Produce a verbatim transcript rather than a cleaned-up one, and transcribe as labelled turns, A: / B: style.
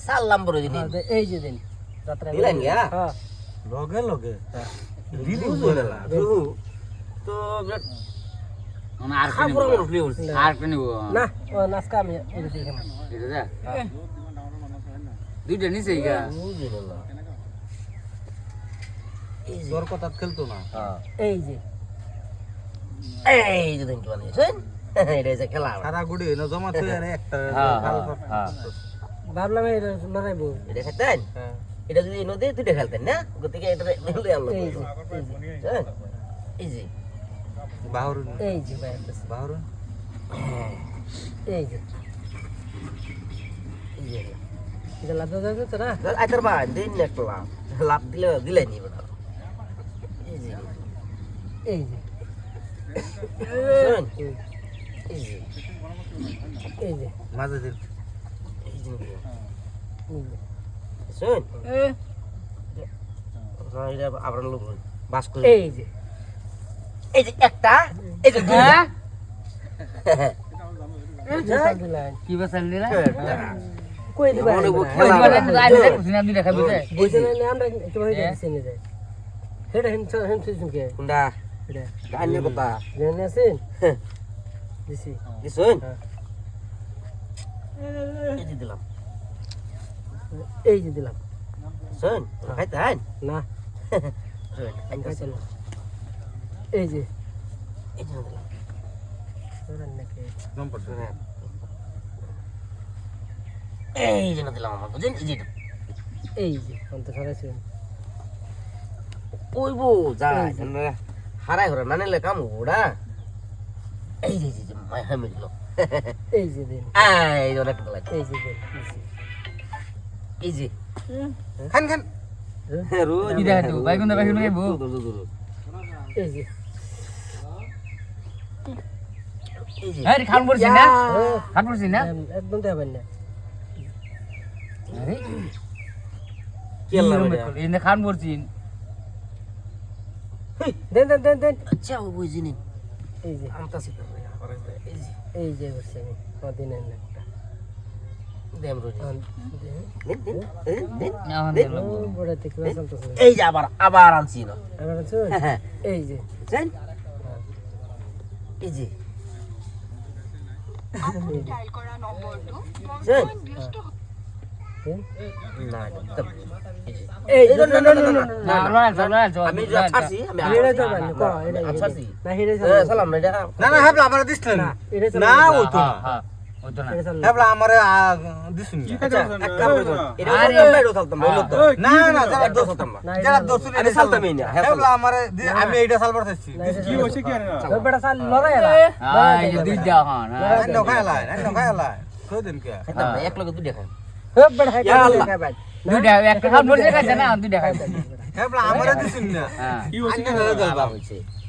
A: সালাম বড় দিন
B: এই যে দিন যাত্রা
A: দিলেন গিয়া
B: হ্যাঁ
C: লগে লগে দিলি
A: বুঝলে না তো
D: মানে আর
A: খাবো আমার ফ্লি হচ্ছে
D: আর কি নিব
B: না ও নাস্কা আমি এটা দিয়ে খাবো
D: এটা যা দুইটা নিছে গা
A: বুঝলে না এই যে
C: তোর কথা খেলতো না
A: হ্যাঁ
B: এই যে
A: এই যে দিন কি বানিয়েছেন এটা যে খেলা
C: সারা গুড়ি না জমা তুই আর একটা
A: হ্যাঁ হ্যাঁ
B: ভাবলাম এটা লড়াইবো
A: এটা খেতেন
C: হ্যাঁ
A: এটা যদি নদী তুই খেলতেন না গতিকে এটা নিলে আনলো
B: এই যে
A: এই যে
C: বাহরুন
B: এই যে ভাই
C: বাহরুন
B: এই যে
A: এই যে
B: এটা লাভ দাও তো না
A: আইতার বা দিন একটা লাভ লাভ দিলে দিলে নি বড় এই যে
B: এই যে
A: শুন এই যে
B: এই যে
C: মাঝে দিন
A: এই যে
B: এই যে
A: শুন এটা আবার লোক বাস করে
B: এই যে
A: এই যে একটা এই যে দুইটা
D: হ্যাঁ
B: দিলেন
D: কি বসাল দিলা
B: কই দিবা
A: মনে বুক
D: ওই
A: খেলা
D: বলেন আইলে দেখছ না আপনি দেখাবো যে
B: এই যে না আমরা তোমার কাছে নিয়ে যাই হেড হেড হেড শুনকে
A: কুন্ডা
B: এটা
A: গানের কথা
B: জেনে আছেন দিছি
A: দিছুন
B: হ্যাঁ।
A: এই যে দিলাম
B: এই যে দিলাম
A: শুন খাইতে হ্যাঁ
B: না
A: শুন
B: আমি খাইতে না এই যে
A: এই যে দিলাম
B: ধরেন নাকি
C: নম্বর
A: এই যে দিলাম আমার বুঝেন এই যে
B: এই যে অন্ত সরাইছেন
A: ওই বো যা হারাই হরা না নিলে কাম ওড়া এই যে যে মাই হামে দিল
B: এই যে দিন
A: এই যে অনেক লাগছে
B: এই যে দিন দিছি।
A: এই যে
C: খান খান
A: রোজ
D: কি দেখা তো বাইগুন দা বাইগুন খাইবো
B: এই যে
A: এই যে
D: আরে খান পড়ছি না খান পড়ছি না
B: একদম দেবেন না
D: আরে
A: কি আল্লাহ
D: ইনে খান পড়ছি
B: দেন দেন দেন দেন
A: আচ্ছা ও বুঝিনি
B: এই যে
A: আমতাছি তো এই যে
B: এই যে বসে আমি কদিনের একটা
A: দেম রোজ
B: আন-
A: দিন দিন দিন দিন
D: না হন
B: ও, বড় থেকে চলতেছে
A: এই যে আবার আবার আনছি না
B: আবার শুন
A: হ্যাঁ
B: এই যে
A: জান এই যে
E: আপনি ডায়াল করা নম্বরটো
A: জান
E: ব্যস্ত
B: দেন।
A: না একদম
B: এই
A: এই
B: যে
A: না না না না
D: না লড়াই লড়াই
A: আমি যা ছাড়ছি আমি
B: হেরে যাবেন ক এটা
A: আমি ছাড়ছি
B: না হেরে
A: এ
B: যাবেন
A: সালাম না এটা
C: না না হেবলা আমারে দিছ
B: না
C: না
B: এটা
C: না ও তো
D: হ্যাঁ হ্যাঁ ওই তো না
B: এটা চল
C: হেবলা আমারে দিছুন
A: আচ্ছা এক কাম করো এটা
D: আরে,
A: সালাম না এটা সালতাম বলো তো
C: না না যারা
A: এটা সালতাম না
B: না
C: যারা দর্শন
A: আমি সালতামই না হ্যাঁ
C: হেবলা আমারে দি- আমি এইটা সালবার চাইছি
B: কি হইছে কি আর বেটা সাল লড়াই এলা
D: হ্যাঁ এই যে দুইটা হন হ্যাঁ
C: না খাইলা না খাইলা কই দিন কে
A: খাইতাম না এক লগে দুই দেখা
B: হে বেটা হাই
A: ইয়া আল্লাহ।
B: খাবেন
D: দুইটা একটা খান পড়ছে কাছে না দুইটা খাইছে
C: হেবলা আমারে দিছুন না
D: হ্যাঁ
C: কি হইছে কি
A: হইছে